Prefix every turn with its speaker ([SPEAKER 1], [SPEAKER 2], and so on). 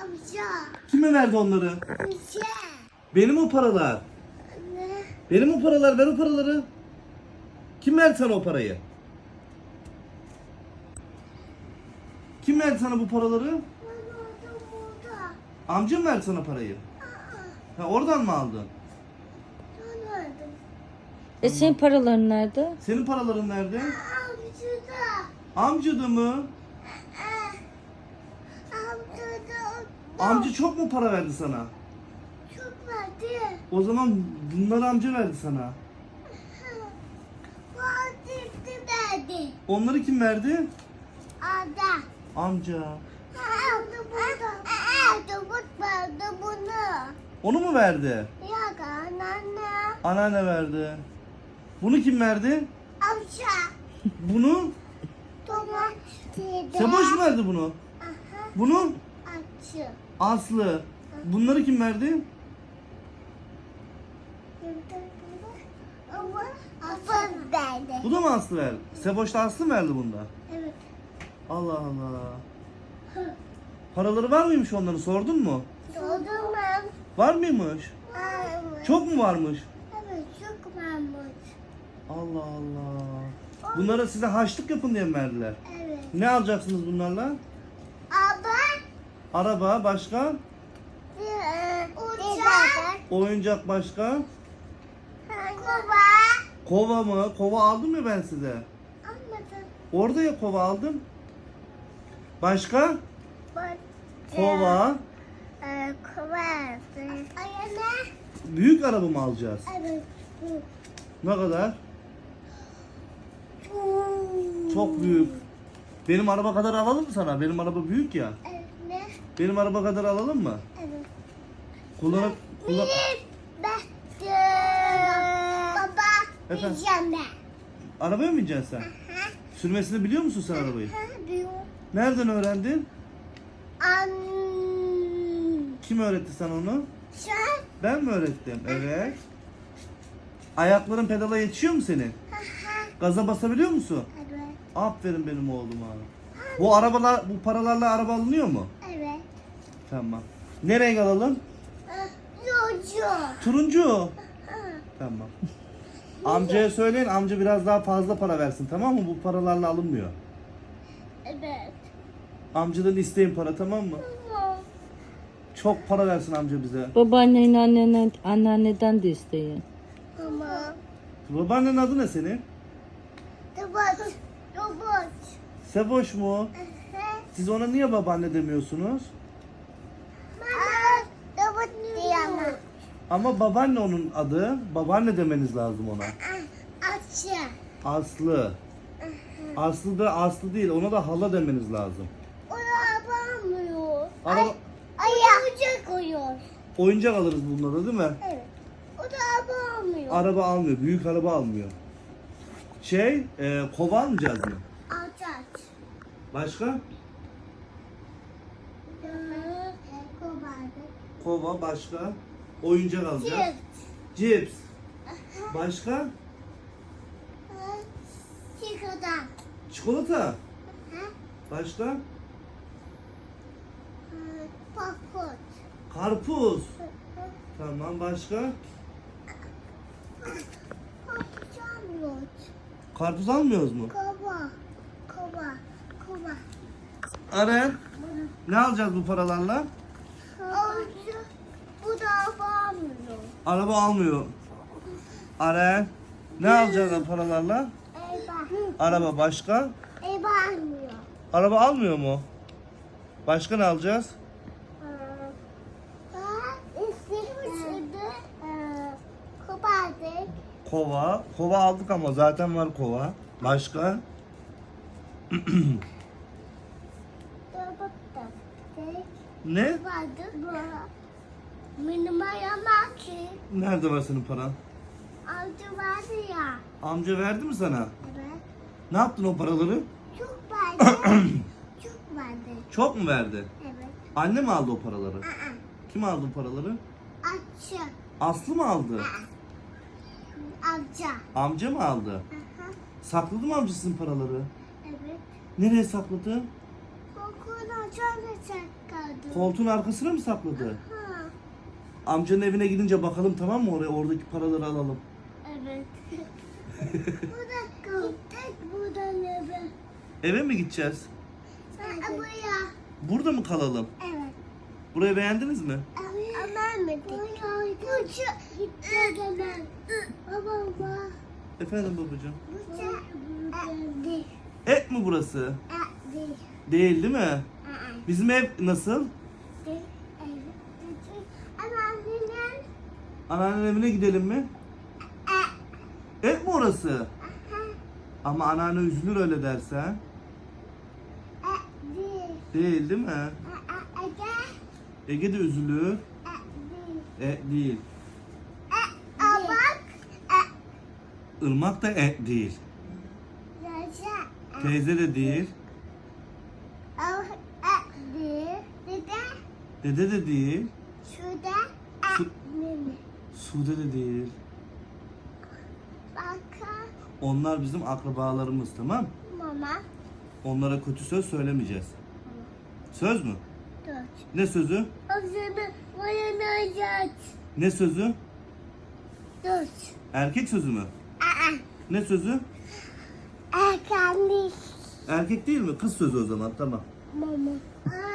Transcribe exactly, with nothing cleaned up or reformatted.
[SPEAKER 1] Amca.
[SPEAKER 2] Kime verdi onları?
[SPEAKER 1] Amca.
[SPEAKER 2] Benim o paralar.
[SPEAKER 1] Ne?
[SPEAKER 2] Benim o paralar. Ver o paraları. Kim verdi sana o parayı? Kim verdi sana bu paraları?
[SPEAKER 1] Ben orada burada.
[SPEAKER 2] Amcam verdi sana parayı.
[SPEAKER 1] Aa,
[SPEAKER 2] Ha, oradan mı aldın?
[SPEAKER 1] ben ördüm.
[SPEAKER 3] E senin paraların nerede?
[SPEAKER 2] Senin paraların nerede?
[SPEAKER 1] Amcada.
[SPEAKER 2] Amcada mı?
[SPEAKER 1] Amcada.
[SPEAKER 2] Amca çok mu para verdi sana?
[SPEAKER 1] Çok verdi.
[SPEAKER 2] O zaman bunları amca verdi sana.
[SPEAKER 1] Fatih'ti verdi.
[SPEAKER 2] Onları kim verdi?
[SPEAKER 1] Ada.
[SPEAKER 2] Amca.
[SPEAKER 1] Aldı burada. Aldı bu verdi bunu.
[SPEAKER 2] Onu mu verdi?
[SPEAKER 1] Yok anneanne.
[SPEAKER 2] Anneanne verdi. Bunu kim verdi?
[SPEAKER 1] Amca.
[SPEAKER 2] Bunu?
[SPEAKER 1] Tamam.
[SPEAKER 2] Seboş mu verdi bunu?
[SPEAKER 1] Aha.
[SPEAKER 2] Bunu?
[SPEAKER 1] Açı.
[SPEAKER 2] Aslı. Bunları kim verdi?
[SPEAKER 1] Ama Asıl verdi.
[SPEAKER 2] Bu da mı Aslı verdi? Seboş da Aslı mı verdi bunda?
[SPEAKER 1] Evet.
[SPEAKER 2] Allah Allah. Paraları var mıymış onların, sordun mu?
[SPEAKER 1] Sordum ben.
[SPEAKER 2] Var mıymış?
[SPEAKER 1] Varmış.
[SPEAKER 2] Çok mu varmış?
[SPEAKER 1] Evet çok varmış.
[SPEAKER 2] Allah Allah. Bunlara size harçlık yapın diye mi verdiler?
[SPEAKER 1] Evet.
[SPEAKER 2] Ne alacaksınız bunlarla?
[SPEAKER 1] Ama
[SPEAKER 2] Araba başka?
[SPEAKER 1] uçak.
[SPEAKER 2] Oyuncak başka?
[SPEAKER 1] Kova.
[SPEAKER 2] Kova mı? Kova aldım ya ben size.
[SPEAKER 1] Anladım.
[SPEAKER 2] Orada ya kova aldım. Başka?
[SPEAKER 1] Bak.
[SPEAKER 2] Kova.
[SPEAKER 1] Ee, Kova. Ayana.
[SPEAKER 2] Büyük araba mı alacağız?
[SPEAKER 1] Evet.
[SPEAKER 2] Ne kadar? Çok büyük. Benim araba kadar alalım mı sana? Benim araba büyük ya.
[SPEAKER 1] Evet. Ne?
[SPEAKER 2] Benim araba kadar alalım mı?
[SPEAKER 1] Evet.
[SPEAKER 2] Kullanıp kullan...
[SPEAKER 1] Ben. Baba.
[SPEAKER 2] Efendim?
[SPEAKER 1] Diyeceğim ben.
[SPEAKER 2] Arabaya mı bineceksin sen?
[SPEAKER 1] Ha?
[SPEAKER 2] Sürmesini biliyor musun sen arabayı?
[SPEAKER 1] Ha diyor.
[SPEAKER 2] Nereden öğrendin?
[SPEAKER 1] An.
[SPEAKER 2] Kim öğretti sana onu?
[SPEAKER 1] Sen.
[SPEAKER 2] Ben mi öğrettim? Evet. Ayakların pedala yetişiyor mu senin?
[SPEAKER 1] Ha ha.
[SPEAKER 2] Gaza basabiliyor musun?
[SPEAKER 1] Evet.
[SPEAKER 2] Aferin benim oğluma. Bu arabalar, bu paralarla araba alınıyor mu?
[SPEAKER 1] Evet.
[SPEAKER 2] Tamam. Ne renk alalım?
[SPEAKER 1] Yocu.
[SPEAKER 2] Turuncu. Tamam. Amcaya söyleyin, amca biraz daha fazla para versin, tamam mı? Bu paralarla alınmıyor.
[SPEAKER 1] Evet.
[SPEAKER 2] Amcadan isteyin para, tamam mı?
[SPEAKER 1] Tamam.
[SPEAKER 2] Çok para versin amca bize.
[SPEAKER 3] Babaannen, annenen, anneanneden de isteyin.
[SPEAKER 1] Tamam.
[SPEAKER 2] Babaannen adı ne senin?
[SPEAKER 1] Robot. Robot.
[SPEAKER 2] Seboş mu? Siz ona niye babaanne demiyorsunuz?
[SPEAKER 1] Mama. Robot diyemem.
[SPEAKER 2] Ama babaanne onun adı. Babaanne demeniz lazım ona.
[SPEAKER 1] Açı.
[SPEAKER 2] Aslı. Aslı da Aslı değil, ona da hala demeniz lazım.
[SPEAKER 1] O da yapamıyor.
[SPEAKER 2] Araba,
[SPEAKER 1] Ayağıca koyuyor.
[SPEAKER 2] oyuncak alırız bunlara değil mi?
[SPEAKER 1] Evet. O da yapamıyor.
[SPEAKER 2] Araba almıyor, büyük araba almıyor. Şey, e, kova almayacağız mı?
[SPEAKER 1] Aç aç.
[SPEAKER 2] Başka?
[SPEAKER 1] Kovardı.
[SPEAKER 2] Kova, başka? Oyuncak alacağız.
[SPEAKER 1] Cips.
[SPEAKER 2] Cips. Başka?
[SPEAKER 1] Çikolata.
[SPEAKER 2] Çikolata. Başka?
[SPEAKER 1] Popcorn.
[SPEAKER 2] Karpuz. Tamam, başka?
[SPEAKER 1] Popcorn.
[SPEAKER 2] Karpuz almıyoruz mu?
[SPEAKER 1] Kova. Kova. Kova.
[SPEAKER 2] Aren, ne alacağız bu paralarla?
[SPEAKER 1] Avucu. Bu da yapamıyor.
[SPEAKER 2] Araba almıyor. Aren, ne alacağız bu paralarla?
[SPEAKER 1] Eyvah.
[SPEAKER 2] Araba başka?
[SPEAKER 1] Eyvah almıyor.
[SPEAKER 2] Araba almıyor mu? Başka ne alacağız?
[SPEAKER 1] Kopardık.
[SPEAKER 2] Kova. Kova aldık ama zaten var kova. Başka? Ne?
[SPEAKER 1] Kopardık. Benim ayağıma ki.
[SPEAKER 2] Nerede var senin paran?
[SPEAKER 1] Avcı vardı ya.
[SPEAKER 2] Amca verdi mi sana?
[SPEAKER 1] Evet.
[SPEAKER 2] Ne yaptın o paraları?
[SPEAKER 1] Çok vardı. Çok vardı.
[SPEAKER 2] Çok mu verdi?
[SPEAKER 1] Evet.
[SPEAKER 2] Anne mi aldı o paraları?
[SPEAKER 1] Aa.
[SPEAKER 2] Kim aldı o paraları?
[SPEAKER 1] Açı.
[SPEAKER 2] Aslı mı aldı?
[SPEAKER 1] Avcı.
[SPEAKER 2] Amca mı aldı?
[SPEAKER 1] Aha.
[SPEAKER 2] Sakladı mı amcasının paraları?
[SPEAKER 1] Evet.
[SPEAKER 2] Nereye sakladı?
[SPEAKER 1] O Okula şöyle sakladım.
[SPEAKER 2] Koltuğun arkasına mı sakladı?
[SPEAKER 1] Ha,
[SPEAKER 2] Amcanın evine gidince bakalım, tamam mı, oraya oradaki paraları alalım.
[SPEAKER 1] evet. Burada gittik buradan eve.
[SPEAKER 2] Eve mi gideceğiz?
[SPEAKER 1] Ha, buraya.
[SPEAKER 2] Burada mı kalalım?
[SPEAKER 1] Evet.
[SPEAKER 2] Burayı beğendiniz mi?
[SPEAKER 1] Aman mı dik? Burcu gitti hemen. Baba baba.
[SPEAKER 2] Efendim babacığım.
[SPEAKER 1] Burcu değil.
[SPEAKER 2] Et mi burası?
[SPEAKER 1] Değil.
[SPEAKER 2] Değil değil mi? Bizim ev nasıl?
[SPEAKER 1] Değil. Ama annenin
[SPEAKER 2] Anneannenin evine gidelim mi? Et mi orası? Ama anneanne üzülür öyle dersen.
[SPEAKER 1] değil.
[SPEAKER 2] Değil değil mi?
[SPEAKER 1] Ege
[SPEAKER 2] Ege de üzülür.
[SPEAKER 1] değil.
[SPEAKER 2] E değil.
[SPEAKER 1] A bak.
[SPEAKER 2] Irmak da et değil.
[SPEAKER 1] Yaşa.
[SPEAKER 2] Teyze de değil.
[SPEAKER 1] A değil. Dede
[SPEAKER 2] Dede de değil.
[SPEAKER 1] şurada.
[SPEAKER 2] Su-
[SPEAKER 1] Mimi.
[SPEAKER 2] Sude de değil.
[SPEAKER 1] Baka.
[SPEAKER 2] Onlar bizim akrabalarımız, tamam?
[SPEAKER 1] Mama.
[SPEAKER 2] Onlara kötü söz söylemeyeceğiz. Söz mü?
[SPEAKER 1] Dört.
[SPEAKER 2] Ne sözü?
[SPEAKER 1] Ağzını boyanacak.
[SPEAKER 2] Ne sözü?
[SPEAKER 1] Dört.
[SPEAKER 2] Erkek sözü mü?
[SPEAKER 1] Aa.
[SPEAKER 2] Ne sözü?
[SPEAKER 1] Erkenlik.
[SPEAKER 2] Erkek değil mi? Kız sözü o zaman, tamam.
[SPEAKER 1] Mama. Aa.